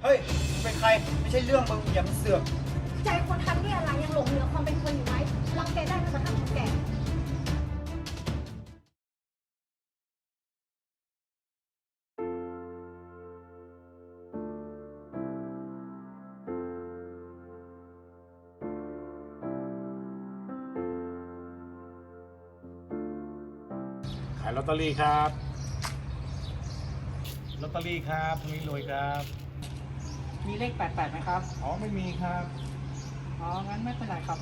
เฮ้ยเป็นใครไม่ใช่เรื่องมึงอย่ามาเสือกใจคนทำนี่อะไรยังหลงเหลือความเป็นคนอยู่ไหมรังแกได้แม้กระทั่งคนแก่ขายลอตเตอรี่ครับลอตเตอรี่ครับทวีรวยครับมีเลข88ไหมครับอ๋อไม่มีครับอ๋อ งั้นไม่เป็นไรครับ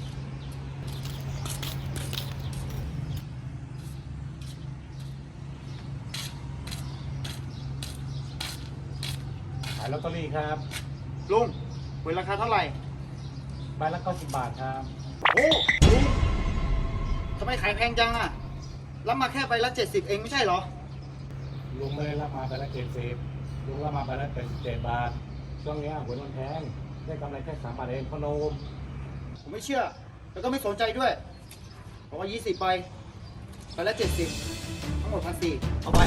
ขายลอตเตอรี่ครับลุงหวยราคาเท่าไหร่ใบละ90 บาทครับโอ้ลุงทำไมขายแพงจังอะรับมาแค่ใบละ70เองไม่ใช่เหรอลุงไม่ได้รับมาใบละ70ลุงรับมาใบละ87 บาทช่วงนี้หวยมันแพงได้กำไรแค่3 บาทเองพ่อโนมผมไม่เชื่อแล้วก็ไม่สนใจด้วยบอกว่า20ใบละ70ทั้งหมด1,400เอาไป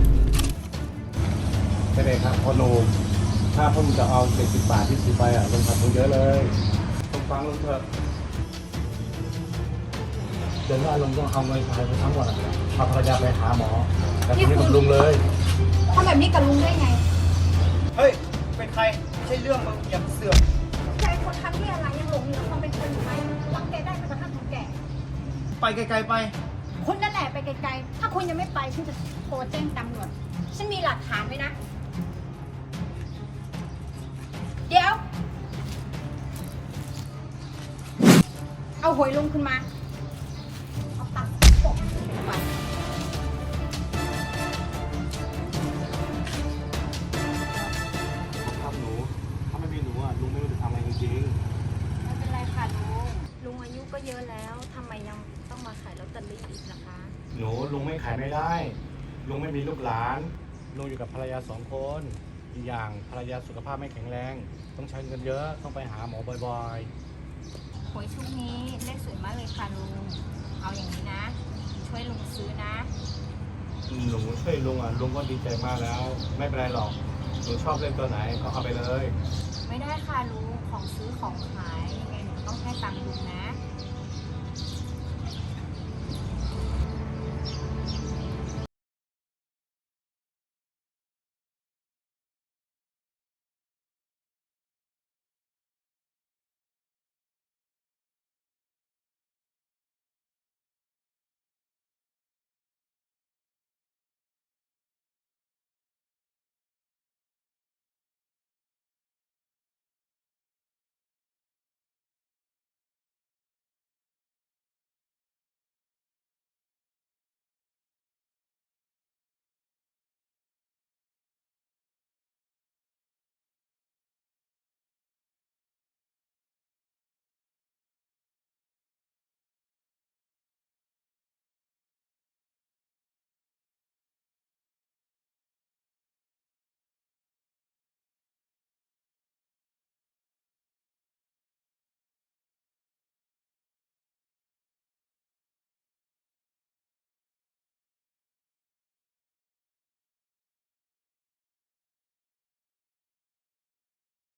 ไม่ได้ครับพ่อโนมถ้าพ่อมึงจะเอา70 บาทที่ซื้อไปอ่ะลงขาดทุนเยอะเลยต้องฟังลุงเถอะเดี๋ยวว่าลุงต้องเอาเงินไปทั้งหมดอ่ะพาภรรยาไปหาหมอแล้วทีนี้กับลุงเลยทำแบบนี้กับลุงได้ไงเฮ้ยเป็นใครไม่ใช่เรื่องมึงอย่ามาเสือกใจคนทำนี่อะไรยังหลงเหลือความเป็นคนอยู่ไหมรังแกได้แม้กระทั่งคนแก่ไปไกลๆไปคุณนั่นแหละไปไกลๆ ถ้าคุณยังไม่ไปฉันจะโทรแจ้งตำรวจฉันมีหลักฐานไว้นะ เดี๋ยว เอาหวยลุงขึ้นมา เอาตังค์ปกไปครับหนูถ้าไม่มีหนูอ่ะลุงไม่รู้จะทำอะไรจริงไม่เป็นไรค่ะลุงอายุก็เยอะแล้วทำไมยังต้องมาขายลอตเตอรี่อีกนะคะๆหนูลุงไม่ขายไม่ได้ลุงไม่มีลูกหลานลุงอยู่กับภรรยา2 คนอีกอย่างภรรยาสุขภาพไม่แข็งแรงต้องใช้เงินเยอะต้องไปหาหมอบ่อยหวยชุดนี้เลขสวยมากเลยค่ะลุง เอาอย่างนี้นะช่วยลุงซื้อนะๆหนูช่วยลุงอ่ะลุงก็ดีใจมากแล้ว ไม่เป็นไรหรอกหนูชอบเล่นตัวไหนก็เอาไปเลยไม่ได้ค่ะลุงของซื้อของขายยังไงหนูต้องให้ตังค์ลุงนะ